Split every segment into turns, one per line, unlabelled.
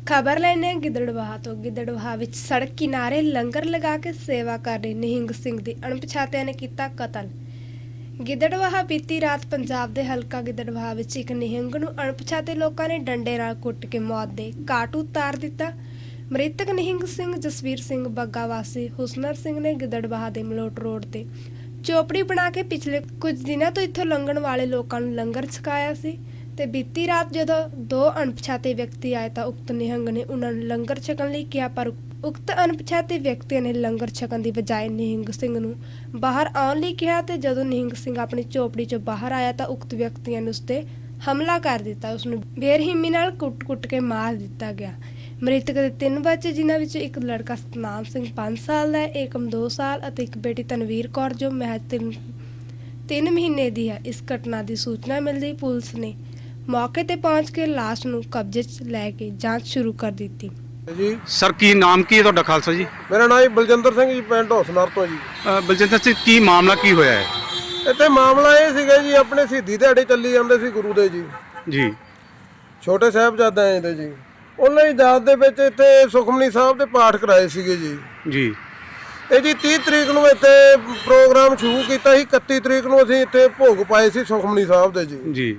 खबर लेने गिद्दड़वाह तो गिद्दड़वाह विच सड़क किनारे लंगर लगा के सेवा कर रहे निहंग सिंह दी अणपछातिਆਂ ने ਕੀਤਾ कतल। गिद्दड़वाह बीती रात पंजाब ਦੇ ਹਲਕਾ ਗਿੱਦੜਵਾਹਾ ਵਿੱਚ ਇੱਕ ਨਿਹੰਗ ਨੂੰ ਅਣਪਛਾਤੇ ਲੋਕਾਂ ਨੇ ਡੰਡੇ ਨਾਲ ਕੁੱਟ ਕੇ ਮੌਤ ਦੇ ਘਾਟ ਉਤਾਰ ਦਿੱਤਾ। ਮ੍ਰਿਤਕ ਨਿਹੰਗ ਸਿੰਘ ਜਸਵੀਰ ਸਿੰਘ ਬੱਗਾ ਵਾਸੀ ਹੁਸਨਰ ਸਿੰਘ ਨੇ ਗਿੱਦੜਵਾਹਾ ਦੇ ਮਲੋਟ ਰੋਡ ਤੇ ਚੋਪੜੀ ਬਣਾ ਕੇ ਪਿਛਲੇ ਕੁਝ ਦਿਨਾਂ ਤੋਂ ਇੱਥੋਂ ਲੰਘਣ ਵਾਲੇ ਲੋਕਾਂ ਨੂੰ ਲੰਗਰ ਛਕਾਇਆ ਸੀ ਤੇ ਬੀਤੀ ਰਾਤ ਜਦੋਂ ਦੋ ਅਣਪਛਾਤੇ ਵਿਅਕਤੀ ਆਏ ਤਾਂ ਉਕਤ ਨਿਹੰਗ ਨੇ ਉਹਨਾਂ ਨੂੰ ਲੰਗਰ ਛਕਣ ਲਈ ਕਿਹਾ, ਪਰ ਉਕਤ ਅਣਪਛਾਤੇ ਵਿਅਕਤੀਆਂ ਨੇ ਲੰਗਰ ਛਕਣ ਦੀ ਬਜਾਏ ਨਿਹੰਗ ਸਿੰਘ ਨੂੰ ਬਾਹਰ ਆਉਣ ਲਈ ਕਿਹਾ ਤੇ ਜਦੋਂ ਨਿਹੰਗ ਸਿੰਘ ਆਪਣੀ ਝੋਪੜੀ ਚੋਂ ਬਾਹਰ ਆਇਆ ਤਾਂ ਉਕਤ ਵਿਅਕਤੀਆਂ ਨੇ ਉਸ ਤੇ ਹਮਲਾ ਕਰ ਦਿੱਤਾ। ਉਸ ਨੂੰ ਬੇਰਹਿਮੀ ਨਾਲ ਕੁੱਟ-ਕੁੱਟ ਕੇ ਮਾਰ ਦਿੱਤਾ ਗਿਆ। ਮ੍ਰਿਤਕ ਦੇ 3 ਬੱਚੇ ਜਿਨ੍ਹਾਂ ਵਿੱਚੋਂ ਇੱਕ ਲੜਕਾ ਸਤਨਾਮ ਸਿੰਘ 5 ਸਾਲ ਦਾ ਹੈ, ਏਕਮ 2 ਸਾਲ ਅਤੇ ਇੱਕ ਬੇਟੀ ਤਨਵੀਰ ਕੌਰ ਜੋ ਮਹਿਜ 3 ਮਹੀਨੇ ਦੀ ਹੈ। ਇਸ ਘਟਨਾ ਦੀ ਸੂਚਨਾ ਮਿਲਦੀ ਪੁਲਿਸ ਨੇ मौके ते पहुंच के लाश ਨੂੰ कब्जे च लेके जांच शुरू कर दी
जी।
सर की नाम की है ਤੁਹਾਡਾ ਖਾਲਸਾ ਜੀ?
मेरा नाम बलजिंदर सिंह जी, पिंड हौसनर तो जी।
ਬਲਜਿੰਦਰ ਸਿੰਘ ਕੀ ਮਾਮਲਾ ਕੀ ਹੋਇਆ ਹੈ?
ਇੱਥੇ ਮਾਮਲਾ ਇਹ ਸੀਗਾ ਜੀ, ਆਪਣੇ ਸ਼ਹੀਦੀ ਦਿਹਾੜੇ ਚੱਲੀ ਜਾਂਦੇ ਸੀ ਗੁਰੂ ਦੇ ਜੀ
ਜੀ।
ਛੋਟੇ ਸਾਹਿਬਜ਼ਾਦੇ ਆਏ ਤੇ ਜੀ, ਉਹਨਾਂ ਦੀ ਯਾਦ ਦੇ ਵਿੱਚ ਇੱਥੇ ਸੁਖਮਨੀ ਸਾਹਿਬ ਦੇ ਪਾਠ ਕਰਾਏ ਸੀਗੇ ਜੀ।
ਜੀ
ਇਹ ਜੀ 30 ਤਰੀਕ ਨੂੰ ਇੱਥੇ ਪ੍ਰੋਗਰਾਮ ਸ਼ੁਰੂ ਕੀਤਾ ਸੀ। 31 ਤਰੀਕ ਨੂੰ ਅਸੀਂ ਇੱਥੇ ਭੋਗ ਪਾਏ ਸੀ ਸੁਖਮਨੀ ਸਾਹਿਬ ਦੇ ਜੀ।
ਜੀ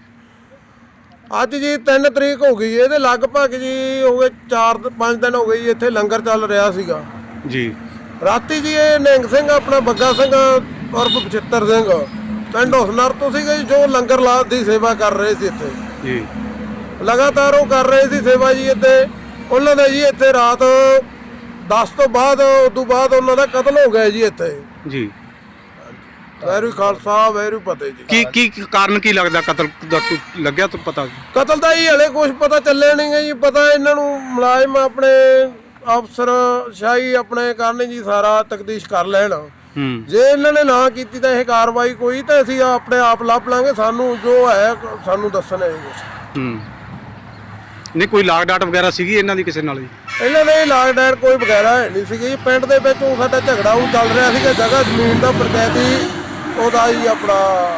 ਅੱਜ ਜੀ 3 ਤਰੀਕ ਹੋ ਗਈ, ਇਹਦੇ ਲਗਭਗ ਜੀ ਹੋ ਗਏ 4-5 ਦਿਨ ਹੋ ਗਏ ਜੀ ਇੱਥੇ ਲੰਗਰ ਚੱਲ ਰਿਹਾ ਸੀਗਾ
ਜੀ।
ਰਾਤੀ ਜੀ ਇਹ ਨਿਹੰਗ ਸਿੰਘ ਆਪਣਾ ਬੱਗਾ ਸਿੰਘ ਔਰ ਬਚਿੱਤਰ ਸਿੰਘ ਪਿੰਡ ਹੌਸਨਰ ਤੋਂ ਸੀਗੇ ਜੀ, ਜੋ ਲੰਗਰ ਲਾਤ ਦੀ ਸੇਵਾ ਕਰ ਰਹੇ ਸੀ ਇੱਥੇ
ਜੀ।
ਲਗਾਤਾਰ ਉਹ ਕਰ ਰਹੇ ਸੀ ਸੇਵਾ ਜੀ ਇੱਥੇ। ਉਹਨਾਂ ਦਾ ਜੀ ਇੱਥੇ ਰਾਤ 10 ਤੋਂ ਬਾਅਦ ਉਦੋਂ ਬਾਅਦ ਉਹਨਾਂ ਦਾ ਕਤਲ ਹੋ ਗਿਆ ਜੀ ਇੱਥੇ।
ਜੀ
ਵੈਰੂ ਖਾਲਸਾ ਵੈਰੂ ਫਤਿਹ ਜੀ।
ਕੀ ਕਾਰਨ ਕੀ ਲੱਗਦਾ ਕਤਲ ਦਾ? ਲੱਗਿਆ ਤਾਂ ਪਤਾ?
ਕਤਲ ਦਾ ਹੀ ਹਲੇ ਕੁਝ ਪਤਾ ਚੱਲਿਆ ਨਹੀਂ ਗਾ ਜੀ। ਪਤਾ ਇਹਨਾਂ ਨੂੰ ਮੁਲਾਜ਼ਮ ਆਪਣੇ ਅਫਸਰ ਸ਼ਾਹੀ ਆਪਣੇ ਕਰਨੇ ਜੀ, ਸਾਰਾ ਤਕਦੀਸ਼ ਕਰ ਲੈਣ। ਜੇ ਇਹਨਾਂ ਨੇ ਨਾ ਕੀਤੀ ਤਾਂ ਇਹ ਕਾਰਵਾਈ ਕੋਈ ਤਾਂ ਅਸੀਂ ਆਪਣੇ ਆਪ ਲੱਭ ਲਾਂਗੇ। ਸਾਨੂੰ ਜੋ ਹੈ ਸਾਨੂੰ ਦੱਸਣਾ ਹੈ ਕੁਝ।
ਨਹੀਂ ਕੋਈ ਲਾਗ ਡਾਟ ਵਗੈਰਾ ਸੀਗੀ ਇਹਨਾਂ ਦੀ ਕਿਸੇ ਨਾਲ ਜੀ?
ਇਹਨਾਂ ਦੇ ਲਾਗ ਡਾਟ ਕੋਈ ਵਗੈਰਾ ਹੈ ਨਹੀਂ ਸੀਗੀ। ਪਿੰਡ ਦੇ ਵਿੱਚ ਉਹ ਸਾਡਾ ਝਗੜਾ ਉਹ ਚੱਲ ਰਿਹਾ ਸੀਗਾ ਜਗ੍ਹਾ ਜ਼ਮੀਨ ਦਾ, ਪੰਚਾਇਤੀ ਉਹਦਾ ਹੀ ਆਪਣਾ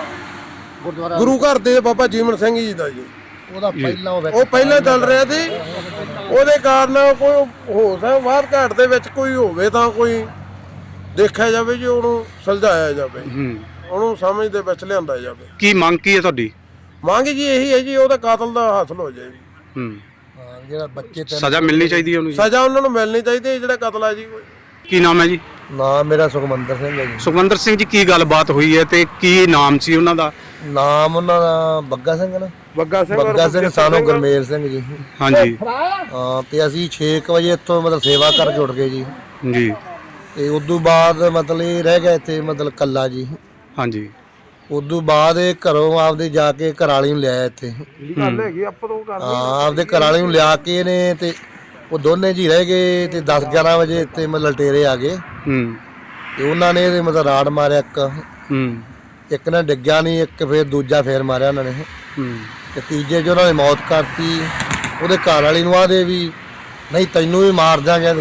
ਗੁਰੂ ਘਰ ਦੇ ਬਾਬਾ ਜੀਵਨ ਸਿੰਘ ਜੀ ਦਾ ਜੀ।
ਉਹਦਾ ਪਹਿਲਾਂ
ਉਹ ਪਹਿਲਾਂ ਚੱਲ ਰਿਹਾ ਸੀ। ਉਹਦੇ ਕਾਰਨ ਕੋਈ ਹੋ ਸਕਦਾ ਬਾਹਰ ਘਾਟ ਦੇ ਵਿੱਚ ਕੋਈ ਹੋਵੇ ਤਾਂ ਕੋਈ ਦੇਖਿਆ ਜਾਵੇ ਜੀ, ਉਹਨੂੰ ਸੁਲਝਾਇਆ ਜਾਵੇ, ਉਹਨੂੰ ਸਮਝ ਦੇ ਵਿੱਚ ਲਿਆਂਦਾ ਜਾਵੇ।
ਕੀ ਮੰਗ ਕੀ ਹੈ ਤੁਹਾਡੀ?
ਮੰਗ ਜੀ ਇਹੀ ਹੈ ਜੀ, ਉਹਦਾ ਕਾਤਲ ਦਾ ਹਾਸਲ ਹੋ ਜਾਏ ਜੀ।
ਜਿਹੜਾ ਬੱਚੇ
ਸਜ਼ਾ ਮਿਲਣੀ ਚਾਹੀਦੀ ਹੈ ਉਹਨੂੰ?
ਸਜ਼ਾ ਉਹਨਾਂ ਨੂੰ ਮਿਲਣੀ ਚਾਹੀਦੀ ਹੈ ਜਿਹੜਾ ਕਤਲ ਹੈ ਜੀ।
ਕੀ ਨਾਮ ਹੈ ਜੀ?
ਨਾਮ ਮੇਰਾ ਸੁਖਮੰਦਰ ਸਿੰਘ ਹੈ ਜੀ।
ਸੁਖਵਿੰਦਰ ਸਿੰਘ ਜੀ, ਕੀ ਗੱਲਬਾਤ ਹੋਈ ਹੈ ਤੇ ਕੀ ਨਾਮ ਸੀ ਉਹਨਾਂ ਦਾ?
ਨਾਮ ਉਹਨਾਂ ਦਾ ਬੱਗਾ ਸਿੰਘ ਨਾ।
ਬੱਗਾ
ਸਿੰਘ ਸਾਨੂੰ ਗੁਰਮੇਲ ਸਿੰਘ ਜੀ।
ਹਾਂਜੀ।
ਹਾਂ ਤੇ ਅਸੀਂ 6 ਵਜੇ ਇੱਥੋਂ ਮਤਲਬ ਸੇਵਾ ਕਰਕੇ ਉੱਠ ਗਏ ਜੀ।
ਜੀ
ਤੇ ਉਦੋਂ ਬਾਅਦ ਮਤਲਬ ਇਹ ਰਹਿ ਗਿਆ ਇੱਥੇ ਮਤਲਬ ਕੱਲਾ ਜੀ।
ਹਾਂਜੀ।
ਉਦੋਂ ਬਾਅਦ ਇਹ ਘਰੋਂ ਆਪਦੇ ਜਾ ਕੇ ਘਰਾਲੀ ਨੂੰ ਲਿਆਇਆ ਇੱਥੇ।
ਗੱਲ ਹੈਗੀ ਆਪਾਂ ਤੋਂ ਕਰ
ਹਾਂ ਆਪਦੇ ਘਰਾਲੀ ਨੂੰ ਲਿਆ ਕੇ ਇਹਨੇ ਤੇ ਉਹ ਦੋਨੇ ਜੀ ਰਹਿ ਗਏ ਤੇ 10-11 ਵਜੇ ਇੱਥੇ ਮਤਲਬ ਲਟੇਰੇ ਆ ਗਏ ਤੇ ਉਹਨਾਂ ਨੇ ਇਹਦੇ ਮਤਲਬ ਰਾੜ ਮਾਰਿਆ ਇੱਕ ਨੇ ਡਿੱਗਿਆ ਨਹੀਂ, ਇੱਕ ਫੇਰ ਦੂਜਾ ਫੇਰ ਮਾਰਿਆ ਉਹਨਾਂ ਨੇ ਤੇ ਤੀਜੇ 'ਚ ਉਹਨਾਂ ਨੇ ਮੌਤ ਕਰਤੀ। ਉਹਦੇ ਘਰ ਵਾਲੀ ਨੂੰ ਆਦੇ ਵੀ ਨਹੀਂ ਤੈਨੂੰ ਵੀ ਮਾਰ ਦਿਆਂਗੇ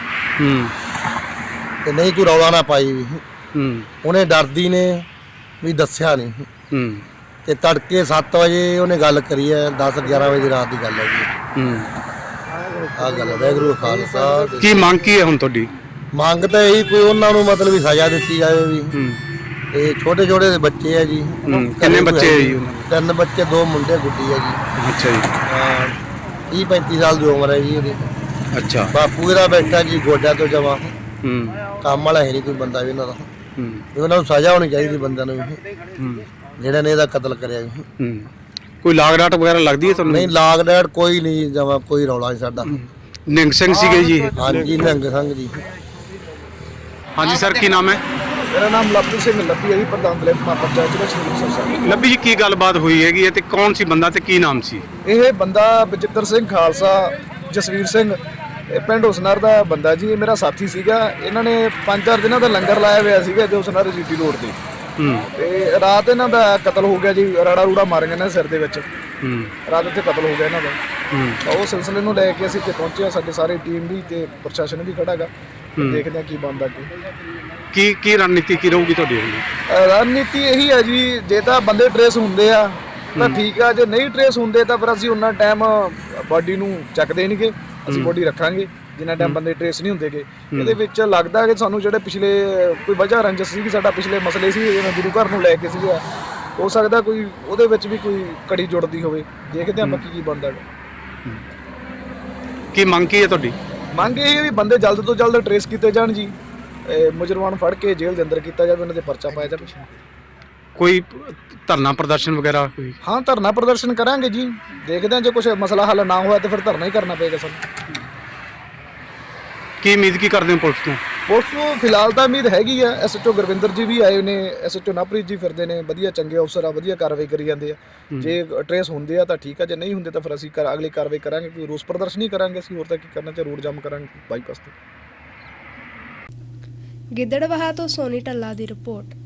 ਤੇ ਨਹੀਂ ਤੂੰ ਰੌਲਾ ਨਾ ਪਾਈ ਵੀ। ਉਹਨੇ ਡਰਦੀ ਨੇ ਵੀ ਦੱਸਿਆ ਨਹੀਂ ਤੇ ਤੜਕੇ 7 ਵਜੇ ਉਹਨੇ ਗੱਲ ਕਰੀ ਹੈ। 10-11 ਵਜੇ ਦੀ ਰਾਤ ਦੀ ਗੱਲ ਹੈ ਜੀ। ਆ ਗੱਲ ਹੈ। ਵਾਹਿਗੁਰੂ ਖਾਲਸਾ।
ਕੀ ਮੰਗ ਕੀ ਹੈ ਹੁਣ ਤੁਹਾਡੀ?
ਮੰਗ ਤਾਂ ਇਹੀ ਕੋਈ ਉਹਨਾਂ ਨੂੰ ਮਤਲਬ ਵੀ ਸਜ਼ਾ ਦਿੱਤੀ ਜਾਵੇ ਵੀ। ਤੇ ਛੋਟੇ ਛੋਟੇ ਦੇ ਬੱਚੇ ਆ ਜੀ।
ਕਿੰਨੇ ਬੱਚੇ ਹੈ ਜੀ?
3 ਬੱਚੇ, 2 ਮੁੰਡੇ ਗੁੱਡੀ ਆ ਜੀ।
ਅੱਛਾ ਜੀ।
ਹਾਂ 30-35 ਸਾਲ ਦੀ ਉਮਰ ਹੈ ਜੀ ਇਹਦੀ।
ਅੱਛਾ।
ਬਾਪੂ ਇਹਦਾ ਬੈਠਾ ਜੀ ਗੋਡਿਆਂ ਤੋਂ ਜਮਾ। ਕੰਮ ਵਾਲਾ ਹੈ ਨਹੀਂ ਕੋਈ ਬੰਦਾ ਵੀ ਇਹਨਾਂ ਦਾ। ਵੀ ਉਹਨਾਂ ਨੂੰ ਸਜ਼ਾ ਹੋਣੀ ਚਾਹੀਦੀ ਬੰਦਿਆਂ ਨੂੰ ਵੀ ਜਿਹੜਾ ਨੇ ਇਹਦਾ ਕਤਲ ਕਰਿਆ ਵੀ।
ਕੋਈ ਲਾਗ ਡਾਟ ਵਗੈਰਾ ਲੱਗਦੀ ਹੈ ਤੁਹਾਨੂੰ?
ਨਹੀਂ ਲਾਗ ਡਾਟ ਕੋਈ ਨਹੀਂ ਜਮਾ, ਕੋਈ ਰੌਲਾ ਨਹੀਂ ਸਾਡਾ।
ਨਿਹੰਗ ਸਿੰਘ ਸੀਗੇ ਜੀ?
ਹਾਂਜੀ ਨਿਹੰਗ ਸਿੰਘ ਜੀ।
ਹਾਂਜੀ ਸਰ, ਕੀ ਨਾਮ ਹੈ?
ਮੇਰਾ ਨਾਮ ਲੱਭੀ ਸਿੰਘ ਲੱਭੀ ਹੈ ਜੀ, ਪ੍ਰਧਾਨ ਦਲਿਤ ਪੰਚਾਇਤ ਦੇ ਸ਼੍ਰੀ।
ਲੱਭੀ ਜੀ, ਕੀ ਗੱਲਬਾਤ ਹੋਈ ਹੈਗੀ ਤੇ ਕੌਣ ਸੀ ਬੰਦਾ ਤੇ ਕੀ ਨਾਮ ਸੀ?
ਇਹ ਬੰਦਾ ਬਚਿੱਤਰ ਸਿੰਘ ਖਾਲਸਾ ਜਸਵੀਰ ਸਿੰਘ, ਇਹ ਪਿੰਡ ਹੁਸਨਰ ਦਾ ਬੰਦਾ ਜੀ। ਇਹ ਮੇਰਾ ਸਾਥੀ ਸੀਗਾ। ਇਹਨਾਂ ਨੇ 5-4 ਦਿਨਾਂ ਦਾ ਲੰਗਰ ਲਾਇਆ ਹੋਇਆ ਸੀਗਾ ਜੋ ਹੁਸਨਰ ਜੀਟੀ ਰੋਡ ਤੇ। ਤੇ ਰਾਤ ਇਹਨਾਂ ਦਾ ਕਤਲ ਹੋ ਗਿਆ ਜੀ। ਰਾੜਾ ਰੂੜਾ ਮਾਰ ਗਏ ਨੇ ਸਿਰ ਦੇ ਵਿੱਚ। ਰਾਤ ਇੱਥੇ ਕਤਲ ਹੋ ਗਿਆ ਇਹਨਾਂ ਦਾ। ਉਹ ਸਿਲਸਿਲੇ ਨੂੰ ਲੈ ਕੇ ਅਸੀਂ ਇੱਥੇ ਪਹੁੰਚੇ। ਸਾਡੇ ਸਾਰੇ ਟੀਮ ਵੀ ਤੇ ਪ੍ਰਸ਼ਾਸਨ ਵੀ ਖੜਾ ਹੈਗਾ। ਦੇਖਦੇ ਹਾਂ ਕੀ ਬਣਦਾ
ਕੀ ਰਣਨੀਤੀ ਕੀ ਰਹੂਗੀ ਤੁਹਾਡੀ?
ਰਣਨੀਤੀ ਇਹੀ ਹੈ ਜੀ, ਜੇ ਤਾਂ ਬੰਦੇ ਟਰੇਸ ਹੁੰਦੇ ਆ ਤਾਂ ਠੀਕ ਆ, ਜੇ ਨਹੀਂ ਟਰੇਸ ਹੁੰਦੇ ਤਾਂ ਫਿਰ ਅਸੀਂ ਉਹਨਾਂ ਟਾਈਮ ਬਾਡੀ ਨੂੰ ਚੱਕ ਦੇਣਗੇ ਅਸੀਂ ਬੋਡੀ ਰੱਖਾਂਗੇ ਜਿੰਨਾ ਟਾਈਮ ਬੰਦੇ ਟ੍ਰੇਸ ਨਹੀਂ ਹੁੰਦੇਗੇ। ਇਹਦੇ ਵਿੱਚ ਲੱਗਦਾ ਕਿ ਸਾਨੂੰ ਜਿਹੜੇ ਪਿਛਲੇ ਕੋਈ ਵਜ੍ਹਾ ਰੰਜਸ ਸੀ ਕਿ ਸਾਡਾ ਪਿਛਲੇ ਮਸਲੇ ਸੀ ਜਿਵੇਂ ਗੁਰੂ ਘਰ ਨੂੰ ਲੈ ਕੇ ਸੀਗਾ, ਹੋ ਸਕਦਾ ਕੋਈ ਉਹਦੇ ਵਿੱਚ ਵੀ ਕੋਈ ਕੜੀ ਜੁੜਦੀ ਹੋਵੇ। ਦੇਖਦੇ ਹਾਂ ਬਾਕੀ ਕੀ ਬਣਦਾ ਹੈ।
ਕੀ ਮੰਗ ਕੀ ਹੈ ਤੁਹਾਡੀ?
ਮੰਗ ਇਹ ਹੈ ਵੀ ਬੰਦੇ ਜਲਦ ਤੋਂ ਜਲਦ ਟ੍ਰੇਸ ਕੀਤੇ ਜਾਣ ਜੀ, ਮੁਜਰਮਾਂ ਨੂੰ ਫੜ ਕੇ ਜੇਲ੍ਹ ਦੇ ਅੰਦਰ ਕੀਤਾ ਜਾਵੇ, ਉਹਨਾਂ ਦੇ ਪਰਚਾ ਪਾਇਆ ਜਾਵੇ।
ਕੋਈ ਧਰਨਾ ਪ੍ਰਦਰਸ਼ਨ ਵਗੈਰਾ ਕੋਈ?
ਹਾਂ ਧਰਨਾ ਪ੍ਰਦਰਸ਼ਨ ਕਰਾਂਗੇ ਜੀ, ਦੇਖਦੇ ਹਾਂ ਜੇ ਕੁਝ ਮਸਲਾ ਹੱਲ ਨਾ ਹੋਇਆ ਤਾਂ ਫਿਰ ਧਰਨਾ ਹੀ ਕਰਨਾ ਪਏਗਾ ਸਾਨੂੰ।
ਕੀ ਉਮੀਦ ਕੀ ਕਰਦੇ ਹੋ ਪੁਲਿਸ ਤੋਂ?
ਪੁਲਿਸ ਨੂੰ ਫਿਲਹਾਲ ਤਾਂ ਉਮੀਦ ਹੈਗੀ ਆ, ਐਸਐਚਓ ਗੁਰਵਿੰਦਰ ਜੀ ਵੀ ਆਏ ਨੇ, ਐਸਐਚਓ ਨਵਪ੍ਰੀਤ ਜੀ ਫਿਰਦੇ ਨੇ, ਵਧੀਆ ਚੰਗੇ ਅਫਸਰ ਆ, ਵਧੀਆ ਕਾਰਵਾਈ ਕਰੀ ਜਾਂਦੇ ਆ। ਜੇ ਟ੍ਰੇਸ ਹੁੰਦੇ ਆ ਤਾਂ ਠੀਕ ਆ, ਜੇ ਨਹੀਂ ਹੁੰਦੇ ਤਾਂ ਫਿਰ ਅਸੀਂ ਅਗਲੀ ਕਾਰਵਾਈ ਕਰਾਂਗੇ, ਕੋਈ ਰੋਸ ਪ੍ਰਦਰਸ਼ਨ ਹੀ ਕਰਾਂਗੇ ਅਸੀਂ, ਹੋਰ ਤਾਂ ਕੀ ਕਰਨਾ, ਤੇ ਰੋਡ ਜਾਮ ਕਰਾਂਗੇ ਬਾਈਪਾਸ ਤੇ।
ਗਿੱਦੜਬਾਹਾ ਤੋਂ ਸੋਨੀ ਢੱਲਾ ਦੀ ਰਿਪੋਰਟ।